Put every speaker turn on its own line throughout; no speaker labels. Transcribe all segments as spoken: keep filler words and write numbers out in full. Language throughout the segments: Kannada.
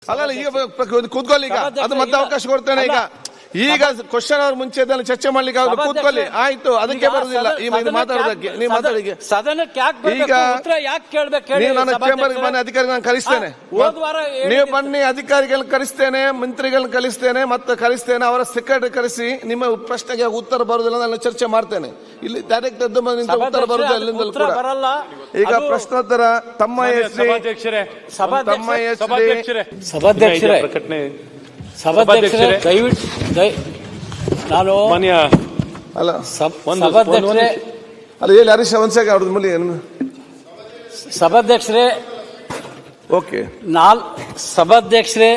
ಅಲ್ಲ ಈಗ ಕೂತ್ಕೊಳ್ಳಿ, ಈಗ ಅದು ಮತ್ತೆ ಅವಕಾಶ ಕೊಡ್ತೇನೆ. ಈಗ ಈಗ ಕ್ವಶನ್ ಅವ್ರ ಮುಂಚೆ ಚರ್ಚೆ ಮಾಡ್ಲಿಕ್ಕೆ ಅವ್ರು ಕೂತ್ಕೊಳ್ಳಿ, ಆಯ್ತು. ಅದಕ್ಕೆ ಬರುದಿಲ್ಲ ಈ ಮಾತಾಡೋದಕ್ಕೆ. ನೀವು ಮಾತಾಡಿ. ಈಗ ನೀವು ನನ್ನ ಚೇಂಬರ್ಗೆ ಬನ್ನಿ, ಅಧಿಕಾರಿ ನಾನು ಕಳಿಸ್ತೇನೆ. ನೀವು ಬನ್ನಿ, ಅಧಿಕಾರಿಗಳನ್ನ ಕಳಿಸ್ತೇನೆ, ಮಂತ್ರಿಗಳನ್ನ ಕಳಿಸ್ತೇನೆ, ಮತ್ತೆ ಕಳಿಸ್ತೇನೆ. ಅವರ ಸೆಕ್ರೆಟರಿ ಕರೆಸಿ ನಿಮ್ಮ ಪ್ರಶ್ನೆಗೆ ಉತ್ತರ ಬರುದಿಲ್ಲ ನಾನು ಚರ್ಚೆ ಮಾಡ್ತೇನೆ. ಇಲ್ಲಿ ಡೈರೆಕ್ಟ್ ಉತ್ತರ ಬರುದಿಲ್ಲ ಅಲ್ಲಿಂದಲೂ ಕೂಡ. ಈಗ ಪ್ರಶ್ನೋತ್ತರ ತಮ್ಮ ಹೆಸರು ತಮ್ಮ ಹೆಸರು
ಸಭಾಧ್ಯಕ್ಷರೇ ಪ್ರಕಟಣೆ ಸಭಾಧ್ಯಕ್ಷರೇ ದಯವಿಟ್ಟು ನಾನು ಮಾನ್ಯ
ಅಲ್ಲ
ಸಭಾಧ್ಯಕ್ಷರೇ
ಅಲ್ಲ ಹೇಳಿ ಹರೀಶ್ ಒಂದ್ಸಾಗ ಅವ್ರದ್ದು ಮೂಲಿ
ಸಭಾಧ್ಯಕ್ಷರೇ
ಓಕೆ
ನಾಲ್ ಸಭಾಧ್ಯಕ್ಷರೇ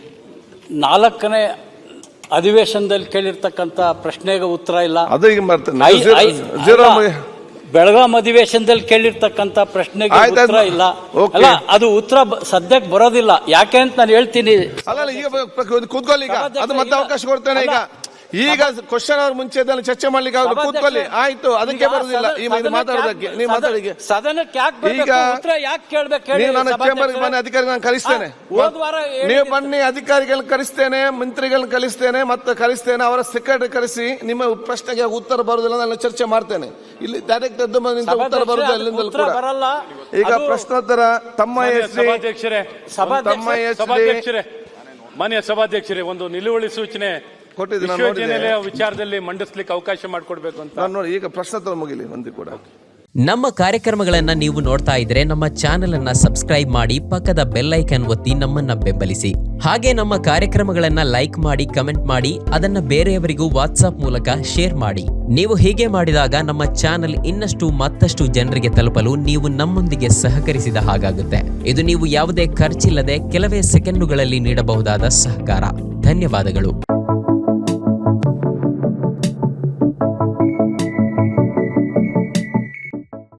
ನಾಲ್ಕನೇ ಅಧಿವೇಶನದಲ್ಲಿ ಕೇಳಿರ್ತಕ್ಕಂಥ ಪ್ರಶ್ನೆಗೆ ಉತ್ತರ ಇಲ್ಲ.
ಅದು ಈಗ ಮಾಡ್ತೇನೆ.
ಬೆಳಗಾಂ ಅಧಿವೇಶನದಲ್ಲಿ ಕೇಳಿರ್ತಕ್ಕಂಥ ಪ್ರಶ್ನೆಗೆ ಉತ್ತರ ಇಲ್ಲ. ಅಲ್ಲ, ಅದು ಉತ್ತರ ಸದ್ಯಕ್ಕೆ ಬರೋದಿಲ್ಲ. ಯಾಕೆ ಅಂತ ನಾನು ಹೇಳ್ತೀನಿ.
ಅಲ್ಲ ಈಗ ಕೂತ್ಕೊಳ್ಳಿ, ಈಗ ಅದು ಮತ್ತೆ ಅವಕಾಶ ಕೊಡ್ತೇನೆ. ಈಗ ಈಗ ಕ್ವಶನ್ ಅವ್ರ ಮುಂಚೆ ಚರ್ಚೆ ಮಾಡ್ಲಿಕ್ಕೆ ಅವ್ರು ಕೂತ್ಕೊಳ್ಳಿ, ಆಯ್ತು. ಅದಕ್ಕೆ ಬರುದಿಲ್ಲ ಈ ಮಾತಾಡೋದಕ್ಕೆ. ನೀವು ಮಾತಾಡಿ. ಈಗ ನೀವು ನನ್ನ ಚೇಂಬರ್ಗೆ ಬನ್ನಿ, ಅಧಿಕಾರಿ ನಾನು ಕಳಿಸ್ತೇನೆ. ನೀವು ಬನ್ನಿ, ಅಧಿಕಾರಿಗಳನ್ನ ಕಳಿಸ್ತೇನೆ, ಮಂತ್ರಿಗಳನ್ನ ಕಳಿಸ್ತೇನೆ, ಮತ್ತೆ ಕಳಿಸ್ತೇನೆ. ಅವರ ಸೆಕ್ರೆಟರಿ ಕರೆಸಿ ನಿಮ್ಮ ಪ್ರಶ್ನೆಗೆ ಉತ್ತರ ಬರುದಿಲ್ಲ ನಾನು ಚರ್ಚೆ ಮಾಡ್ತೇನೆ. ಇಲ್ಲಿ ಡೈರೆಕ್ಟ್ ಉತ್ತರ ಬರುದಿಲ್ಲ ಅಲ್ಲಿಂದಲೂ ಕೂಡ. ಈಗ ಪ್ರಶ್ನೋತ್ತರ ತಮ್ಮ ಹೆಸರು ತಮ್ಮ ಹೆಸರು
ಮಾನ್ಯ ಸಭಾಧ್ಯಕ್ಷರೇ, ಒಂದು ನಿಲುವಳಿ ಸೂಚನೆ ವಿಶ್ವವಿದ್ಯಾನಿಲಯ ವಿಚಾರದಲ್ಲಿ ಮಂಡಿಸ್ಲಿಕ್ಕೆ ಅವಕಾಶ ಮಾಡಿಕೊಡ್ಬೇಕು ಅಂತ
ನಾನು ನೋಡಿ. ಈಗ ಪ್ರಶ್ನೋತ್ತರ ಮುಗಿಲಿ ಒಂದು ಕೂಡ.
ನಮ್ಮ ಕಾರ್ಯಕ್ರಮಗಳನ್ನ ನೀವು ನೋಡ್ತಾ ಇದ್ರೆ ನಮ್ಮ ಚಾನೆಲ್ ಅನ್ನ ಸಬ್ಸ್ಕ್ರೈಬ್ ಮಾಡಿ, ಪಕ್ಕದ ಬೆಲ್ ಐಕನ್ ಒತ್ತಿ ನಮ್ಮನ್ನ ಬೆಂಬಲಿಸಿ. ಹಾಗೆ ನಮ್ಮ ಕಾರ್ಯಕ್ರಮಗಳನ್ನ ಲೈಕ್ ಮಾಡಿ, ಕಮೆಂಟ್ ಮಾಡಿ, ಅದನ್ನ ಬೇರೆಯವರಿಗೂ ವಾಟ್ಸ್ಆಪ್ ಮೂಲಕ ಶೇರ್ ಮಾಡಿ. ನೀವು ಹೀಗೆ ಮಾಡಿದಾಗ ನಮ್ಮ ಚಾನೆಲ್ ಇನ್ನಷ್ಟು ಮತ್ತಷ್ಟು ಜನರಿಗೆ ತಲುಪಲು ನೀವು ನಮ್ಮೊಂದಿಗೆ ಸಹಕರಿಸಿದ ಹಾಗಾಗುತ್ತೆ. ಇದು ನೀವು ಯಾವುದೇ ಖರ್ಚಿಲ್ಲದೆ ಕೆಲವೇ ಸೆಕೆಂಡುಗಳಲ್ಲಿ ನೀಡಬಹುದಾದ ಸಹಕಾರ. ಧನ್ಯವಾದಗಳು.